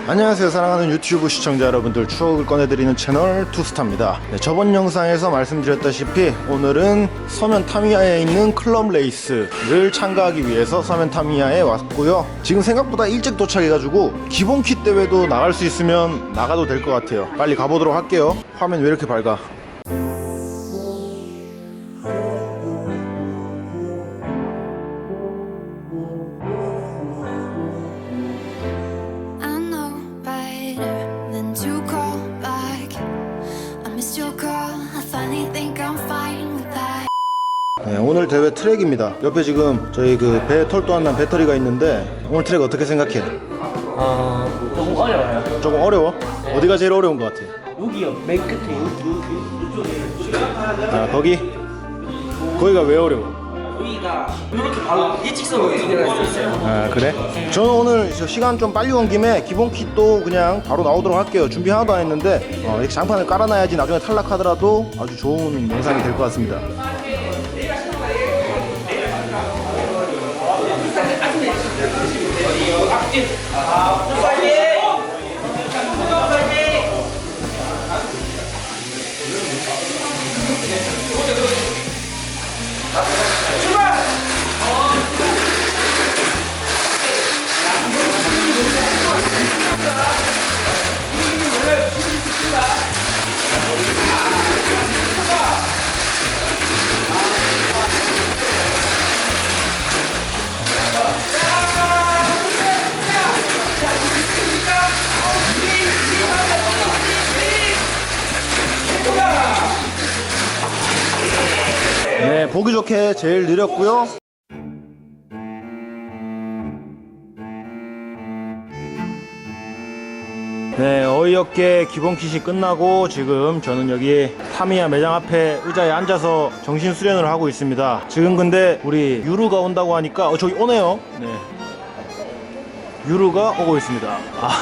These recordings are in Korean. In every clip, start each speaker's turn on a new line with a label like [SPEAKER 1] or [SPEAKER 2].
[SPEAKER 1] 안녕하세요. 사랑하는 유튜브 시청자 여러분들, 추억을 꺼내드리는 채널 투스타입니다. 네, 저번 영상에서 말씀드렸다시피 오늘은 서면 타미야에 있는 클럽 레이스를 참가하기 위해서 서면 타미야에 왔고요. 지금 생각보다 일찍 도착해가지고 기본 킷 대회도 나갈 수 있으면 나가도 될 것 같아요. 빨리 가보도록 할게요. 화면 왜 이렇게 밝아? 네, 오늘 대회 트랙입니다. 옆에 지금 저희 그 배 털도 안 난 배터리가 있는데 오늘 트랙 어떻게 생각해?
[SPEAKER 2] 조금 어려워요.
[SPEAKER 1] 조금 어려워? 어디가 제일 어려운 것 같아?
[SPEAKER 2] 여기요, 맨 끝에 이쪽에.
[SPEAKER 1] 아, 거기가 왜 어려워?
[SPEAKER 2] 여기가 이렇게 바로 일직선으로 진행할 수 있어요.
[SPEAKER 1] 아, 그래? 저는 오늘 저 시간 좀 빨리 온 김에 기본 킷도 그냥 바로 나오도록 할게요. 준비 하나도 안 했는데 이렇게 장판을 깔아놔야지 나중에 탈락하더라도 아주 좋은 영상이 될 것 같습니다. 네, 보기 좋게 제일 느렸고요. 네, 어이없게 기본 킷이 끝나고 지금 저는 여기 타미야 매장 앞에 의자에 앉아서 정신 수련을 하고 있습니다. 지금 근데 우리 유루가 온다고 하니까 저기 오네요. 네, 유루가 오고 있습니다.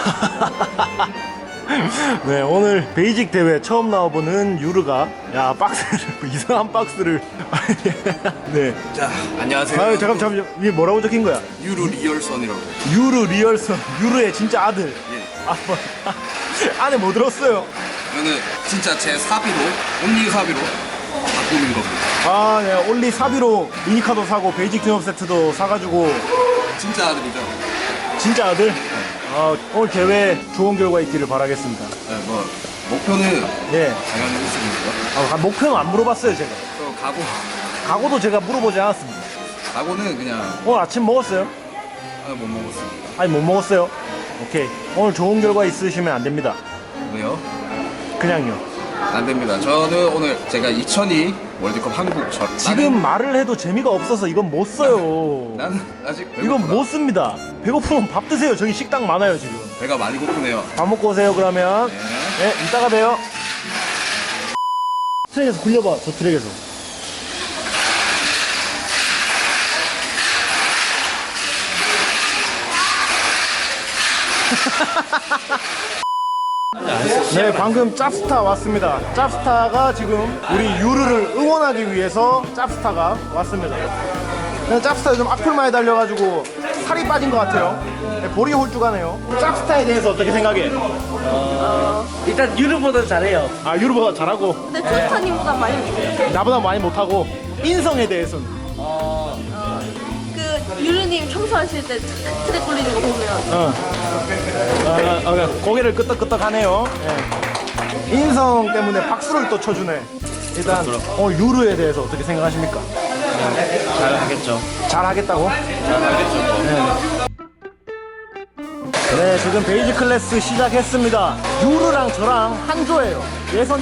[SPEAKER 1] 네, 오늘 베이직 대회 처음 나와보는 유르가 박스를 이상한 박스를 네.
[SPEAKER 3] 자, 안녕하세요.
[SPEAKER 1] 아유, 잠깐 위에 뭐라고 적힌 거야?
[SPEAKER 3] 유루 리얼선이라고.
[SPEAKER 1] 유르 리얼선, 유르의 진짜 아들.
[SPEAKER 3] 예.
[SPEAKER 1] 안에 뭐 들었어요?
[SPEAKER 3] 이거는 진짜 제 사비로, 온리 사비로 바꾸는 겁니다.
[SPEAKER 1] 네, 올리 사비로 미니카도 사고 베이직 튜업 세트도 사가지고.
[SPEAKER 3] 진짜 아들이죠.
[SPEAKER 1] 진짜 아들? 오늘 대회 좋은 결과 있기를 바라겠습니다.
[SPEAKER 3] 네, 뭐 목표는
[SPEAKER 1] 예.
[SPEAKER 3] 당연히 있습니다.
[SPEAKER 1] 목표는 안 물어봤어요, 제가.
[SPEAKER 3] 또
[SPEAKER 1] 각오도 제가 물어보지 않았습니다.
[SPEAKER 3] 각오는 그냥
[SPEAKER 1] 오늘 아침 먹었어요?
[SPEAKER 3] 못 먹었습니다.
[SPEAKER 1] 아니, 못 먹었어요? 오케이. 오늘 좋은 결과 있으시면 안 됩니다.
[SPEAKER 3] 왜요?
[SPEAKER 1] 그냥요.
[SPEAKER 3] 안 됩니다. 저는 오늘 제가 2002 월드컵 한국
[SPEAKER 1] 지금 말을 해도 재미가 없어서 이건 못 써요.
[SPEAKER 3] 나는 아직 배고프다.
[SPEAKER 1] 이건 못 씁니다. 배고프면 밥 드세요. 저기 식당 많아요, 지금.
[SPEAKER 3] 배가 많이 고프네요.
[SPEAKER 1] 밥 먹고 오세요, 그러면. 네, 이따가 봬요. 트랙에서 굴려봐, 저 트랙에서. 네, 방금 짭스타 왔습니다. 짭스타가 지금 우리 유르를 응원하기 위해서 짭스타가 왔습니다. 그냥 짭스타 좀 악플 많이 달려가지고 살이 빠진 것 같아요. 네, 볼이 홀쭉하네요. 짭스타에 대해서 어떻게 생각해?
[SPEAKER 2] 일단 유르보다 잘해요.
[SPEAKER 1] 유르보다 잘하고
[SPEAKER 4] 근데 투스타님보다 많이 못해요.
[SPEAKER 1] 나보다 많이 못하고. 인성에 대해서는
[SPEAKER 4] 그 유르님 청소하실 때 트랙 굴리는 거 보면
[SPEAKER 1] 고개를 끄덕끄덕하네요. 예. 인성 때문에 박수를 또 쳐주네. 일단 유르에 대해서 어떻게 생각하십니까?
[SPEAKER 2] 잘하겠죠.
[SPEAKER 1] 잘하겠다고? 네, 지금 베이지 클래스 시작했습니다. 유르랑 저랑 한조예요. 예선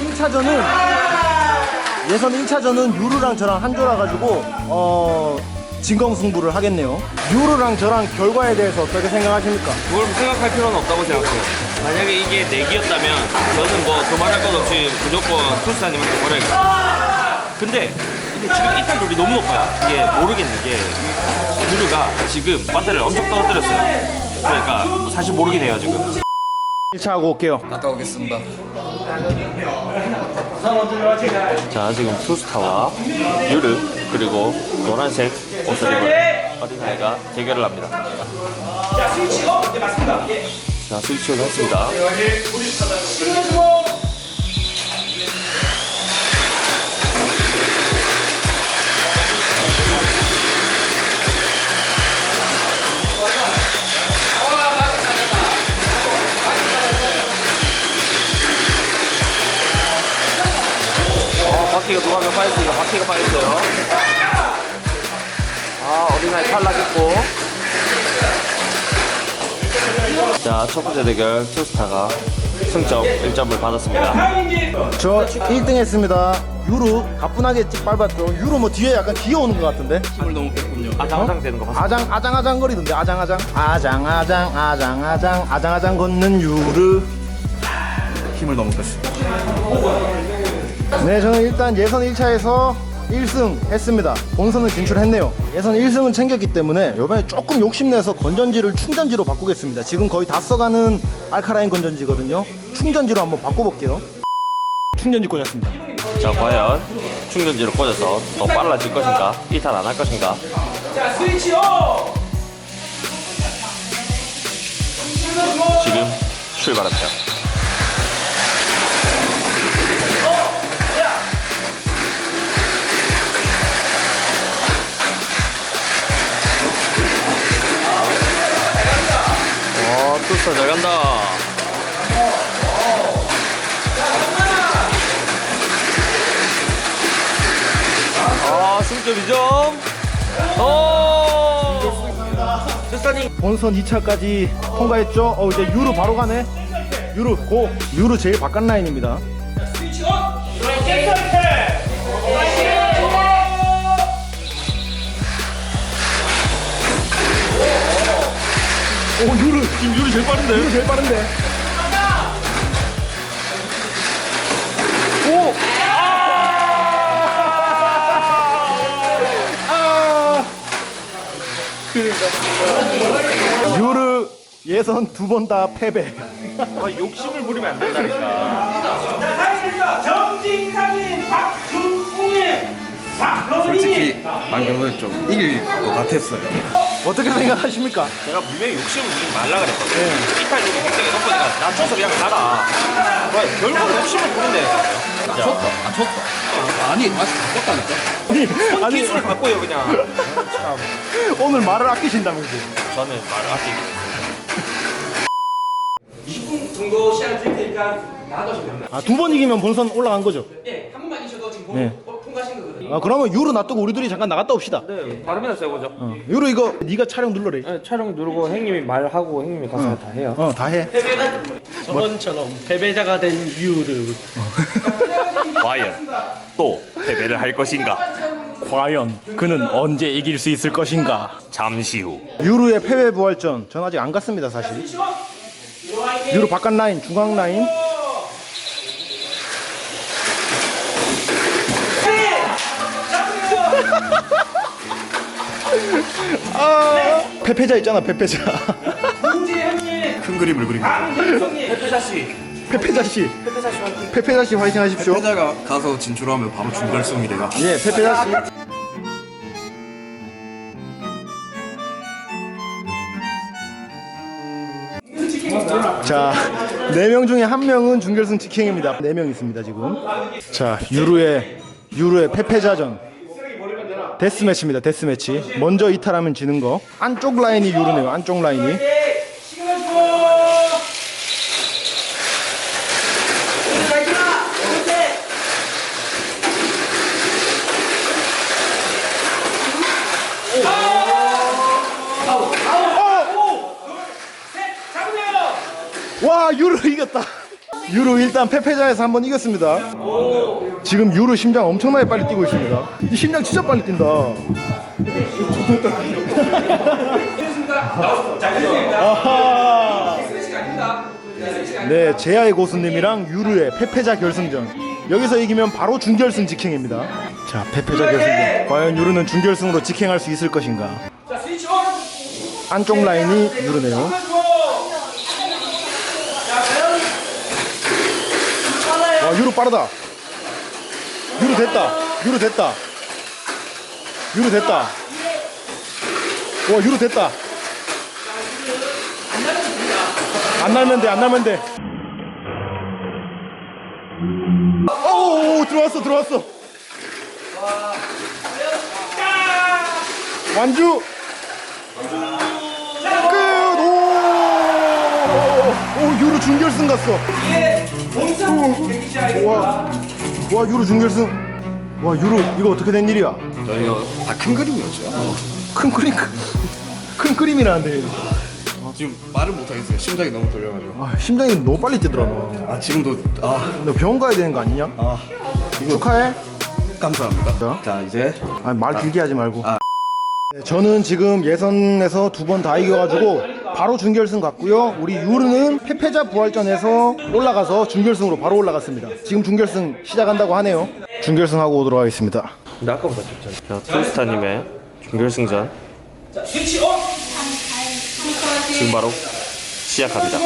[SPEAKER 1] 1차전은 유르랑 저랑 한조라 가지고 진검승부를 하겠네요. 유르랑 저랑 결과에 대해서 어떻게 생각하십니까?
[SPEAKER 5] 그걸 생각할 필요는 없다고 생각해요. 만약에 이게 내기였다면 저는 뭐 도망할 것 없이 무조건 투스타님한테 걸어야겠어요. 근데 지금 이탈 룰이 너무 높아요. 이게 모르겠는 게 유루가 지금 배터리를 엄청 떨어뜨렸어요. 그러니까 사실 모르긴 해요 지금.
[SPEAKER 1] 1차 하고 올게요.
[SPEAKER 3] 갔다 오겠습니다.
[SPEAKER 5] 자, 지금 투스타와 유르 그리고 노란색 옷을 입은 어린아이가 대결을 합니다.
[SPEAKER 6] 자, 스위치가 맞습니다.
[SPEAKER 5] 자, 스위치 온 했습니다. 바퀴가 누가 몇 빠졌어요. 바퀴가 빠졌어요. 아, 어린아이 탈락했고. 자, 첫 번째 대결 투스타가 승점 1점을 받았습니다.
[SPEAKER 1] 저 1등 했습니다. 유로 가뿐하게 찍 밟았죠. 유로 뭐 뒤에 약간 기어오는 것 같은데.
[SPEAKER 3] 힘을 너무 뺐군요.
[SPEAKER 5] 아장아장 되는 거 봤습니다.
[SPEAKER 1] 아장아장 거리던데. 아장아장 걷는 유르.
[SPEAKER 3] 힘을 너무 뺐어요.
[SPEAKER 1] 네, 저는 일단 예선 1차에서 1승 했습니다. 본선은 진출했네요. 예선 1승은 챙겼기 때문에 이번에 조금 욕심내서 건전지를 충전지로 바꾸겠습니다. 지금 거의 다 써가는 알카라인 건전지거든요. 충전지로 한번 바꿔볼게요. 충전지 꽂았습니다.
[SPEAKER 5] 자, 과연 충전지를 꽂아서 더 빨라질 것인가? 이탈 안 할 것인가? 지금 출발합니다. 투스타 잘 간다. 아, 승점 2점. 투스타님.
[SPEAKER 1] 본선 2차까지 통과했죠. 이제 유로 바로 가네. 유로 고. 유로 제일 바깥 라인입니다. 유로 지금 유로 제일 빠른데. 유로 제일 빠른데. 유르 예선 2번 다 패배.
[SPEAKER 5] 욕심을 부리면 안 된다니까.
[SPEAKER 2] 정진상인 박준웅의
[SPEAKER 3] 솔직히 방금은 좀 이길 것 같았어요.
[SPEAKER 1] 어떻게 생각하십니까?
[SPEAKER 5] 내가 분명히 욕심을 부리지 말라 그랬거든. 이탈률이 굉장히 높으니까 낮춰서 그냥 가라. 결국 욕심을 부린다.
[SPEAKER 3] 쳤다. 아니, 아직 바꿨다니까.
[SPEAKER 1] 아니
[SPEAKER 5] 기술을 바꿔요 그냥.
[SPEAKER 1] 오늘 말을 아끼신다면서.
[SPEAKER 5] 저는 말을 아끼고.
[SPEAKER 2] 20분 정도 시간 드릴 테니까 나가시면
[SPEAKER 1] 아, 2번 이기면 본선 올라간 거죠?
[SPEAKER 2] 네, 한 번만 이셔도 지금
[SPEAKER 1] 네.
[SPEAKER 2] 통과하신 거거든요.
[SPEAKER 1] 아, 그러면 유로 놔두고 우리 둘이 잠깐 나갔다 옵시다.
[SPEAKER 5] 네, 발음이나 써보죠.
[SPEAKER 1] 유로 이거 네가 촬영 눌러래.
[SPEAKER 5] 네, 촬영 누르고 형님이 말하고 형님이 가서 다 해요.
[SPEAKER 1] 다 해.
[SPEAKER 2] 저번처럼 패배자가 된 이유를
[SPEAKER 5] 과연 또 패배를 할 것인가?
[SPEAKER 1] 과연 그는 언제 이길 수 있을 것인가?
[SPEAKER 5] 잠시 후.
[SPEAKER 1] 유로의 패배 부활전. 전 아직 안 갔습니다, 사실. 유로 바깥 라인, 중앙 라인. 패패자 있잖아, 패패자.
[SPEAKER 3] 큰 그림을 그린 거예요.
[SPEAKER 1] 패패자씨. 패패자씨 화이팅 하십시오.
[SPEAKER 3] 패자가 가서 진출하면 바로 준결승이 돼요.
[SPEAKER 1] 예, 패패자씨. 자, 4명 중에 1명은 준결승 직행입니다. 4명 있습니다, 지금. 자, 유로의 패패자전. 데스매치입니다, 데스매치. 먼저 이탈하면 지는 거. 안쪽 라인이 유로네요, 안쪽 라인이. 와, 유로 이겼다. 유로 일단 패패자에서 한번 이겼습니다. 지금 유로 심장 엄청나게 빨리 뛰고 있습니다. 이 심장 진짜 빨리 뛴다. 아하. 네, 제아의 고수님이랑 유루의 패패자 결승전. 여기서 이기면 바로 준결승 직행입니다. 자, 패패자 결승전. 과연 유루는 준결승으로 직행할 수 있을 것인가? 안쪽 라인이 유루네요. 와, 유루 빠르다. 유루 됐다. 유루 됐다. 유루 됐다. 와, 유루 됐다. 안 날면 돼, 안 날면 돼. 오, 들어왔어. 완주. 끝. 오, 유로 준결승 갔어. 와, 유로 준결승. 와, 유로 이거 어떻게 된 일이야?
[SPEAKER 3] 저희가 다 큰 그림이었죠.
[SPEAKER 1] 큰 그림이라는데.
[SPEAKER 3] 지금 말을 못 하겠어요. 심장이 너무 떨려가지고.
[SPEAKER 1] 아, 심장이 너무 빨리 뛰더라 너.
[SPEAKER 3] 지금도
[SPEAKER 1] 너 병원 가야 되는 거 아니냐? 축하해.
[SPEAKER 3] 감사합니다. 자 이제
[SPEAKER 1] 말 길게 하지 말고.
[SPEAKER 3] 아.
[SPEAKER 1] 네, 저는 지금 예선에서 2번 다 이겨가지고 바로 준결승 갔고요. 우리 유르는 패패자 부활전에서 올라가서 준결승으로 바로 올라갔습니다. 지금 준결승 시작한다고 하네요. 준결승하고 오도록 하겠습니다.
[SPEAKER 5] 근데 아까보다 좁잖아. 자, 투스타님의 준결승전 지금 바로 시작합니다.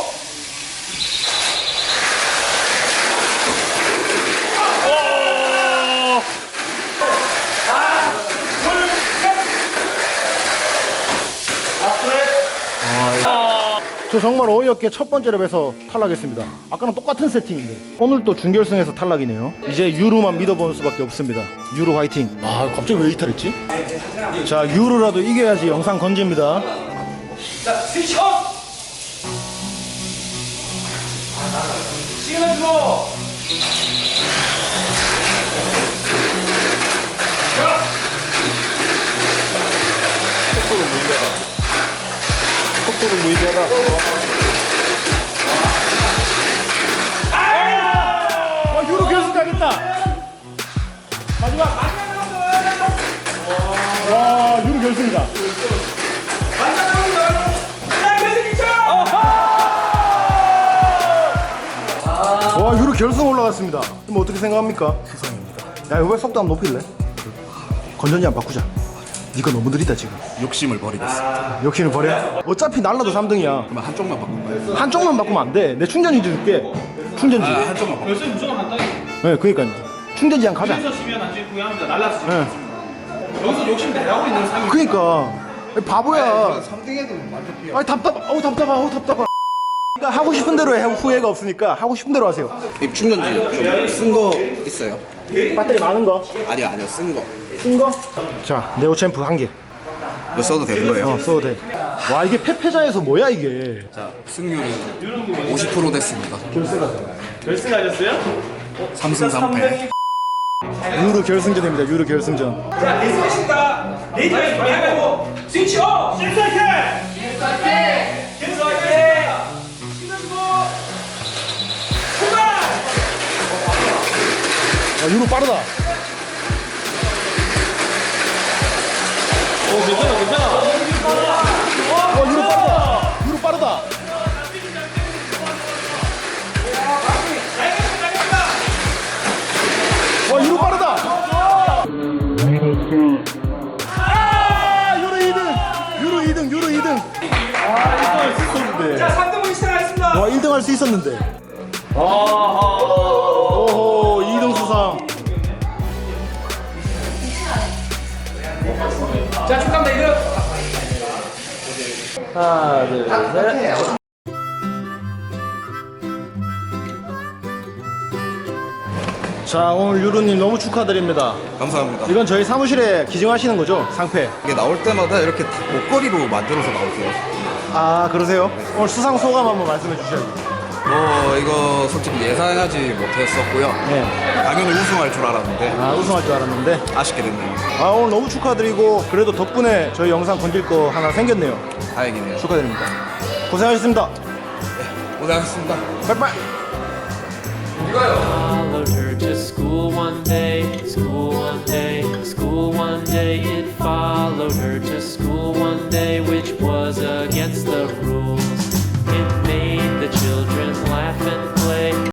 [SPEAKER 1] 저 정말 어이없게 첫 번째 랩에서 탈락했습니다. 아까랑 똑같은 세팅인데 오늘 또 준결승에서 탈락이네요. 이제 유루만 믿어보는 수밖에 없습니다. 유루 화이팅. 아, 갑자기 왜 이탈했지? 자, 유루라도 이겨야지 영상 건집니다.
[SPEAKER 2] 자, 스위치 업! 시그널 주고!
[SPEAKER 1] 속도는 무의미하다. 유로 결승 가겠다. 마지막. 와, 유로 결승이다. 와, 유로 결승 올라갔습니다. 그럼 어떻게 생각합니까? 세상입니다. 야, 왜 속도 한번 높일래? 건전지 안 바꾸자. 니가 너무 느리다 지금.
[SPEAKER 3] 욕심을 버리겠습니다.
[SPEAKER 1] 욕심을 버려? 어차피 날라도 3등이야.
[SPEAKER 3] 그러면 한쪽만 바꿀까요?
[SPEAKER 1] 한쪽만 바꾸면 안 돼. 내 충전지 줄게. 충전지.
[SPEAKER 3] 한쪽만 바꿀.
[SPEAKER 2] 결승 무조건 한다니.
[SPEAKER 1] 네, 그러니까 충전지 한 가자.
[SPEAKER 2] 여기서 지면 나중에 구경합니다. 날라서 지금.
[SPEAKER 1] 네.
[SPEAKER 2] 여기서 욕심 내라고 있는 상황이.
[SPEAKER 1] 그러니까 바보야.
[SPEAKER 3] 3등에도 만족해요.
[SPEAKER 1] 아니 답답하. 그러니까 하고 싶은 대로 해. 후회가 없으니까 하고 싶은 대로 하세요.
[SPEAKER 3] 이 충전지 좀 쓴 거 있어요?
[SPEAKER 1] 배터리 많은 거,
[SPEAKER 3] 아니요 쓴 거.
[SPEAKER 1] 쓴 거. 자, 네오 챔프 한 개.
[SPEAKER 3] 이거 써도 되는 거예요?
[SPEAKER 1] 써도 돼. 와, 이게 패패자에서 뭐야 이게?
[SPEAKER 3] 자 승률은 50% 됐습니다.
[SPEAKER 2] 결승하셨어요?
[SPEAKER 3] 3승 3패.
[SPEAKER 1] 유로 결승전입니다. 유로 결승전.
[SPEAKER 2] 자, 레이스입니다. 레이스를 준비하고 스위치 업! 실수할게! 실수할게! 시그널 주고! 출발!
[SPEAKER 1] 아, 유로 빠르다.
[SPEAKER 5] 괜찮아.
[SPEAKER 1] 유로 빠르다. 와, 유로 빠르다. 아, 유로 2등. 아, 1등 할 수 있었는데.
[SPEAKER 2] 자, 3등분 시작하겠습니다.
[SPEAKER 1] 와, 1등 할 수 있었는데. 오호, 2등 수상.
[SPEAKER 2] 자, 축하합니다. 이들.
[SPEAKER 5] 하나, 둘, 셋.
[SPEAKER 1] 자, 오늘 유루님 너무 축하드립니다.
[SPEAKER 3] 감사합니다.
[SPEAKER 1] 이건 저희 사무실에 기증하시는 거죠? 상패.
[SPEAKER 3] 이게 나올 때마다 이렇게 목걸이로 만들어서 나오세요.
[SPEAKER 1] 아, 그러세요? 오늘 수상 소감 한번 말씀해 주셔야죠.
[SPEAKER 3] 이거 솔직히 예상하지 못했었고요.
[SPEAKER 1] 네.
[SPEAKER 3] 당연히 우승할 줄 알았는데
[SPEAKER 1] 아, 우승할 줄 알았는데.
[SPEAKER 3] 아쉽게 됐네요.
[SPEAKER 1] 아, 오늘 너무 축하드리고 그래도 덕분에 저희 영상 건질 거 하나 생겼네요.
[SPEAKER 3] 다행이네요.
[SPEAKER 1] 축하드립니다. 고생하셨습니다.
[SPEAKER 3] 고생하셨습니다.
[SPEAKER 1] 빠이빠이.
[SPEAKER 6] Followed her to school one day.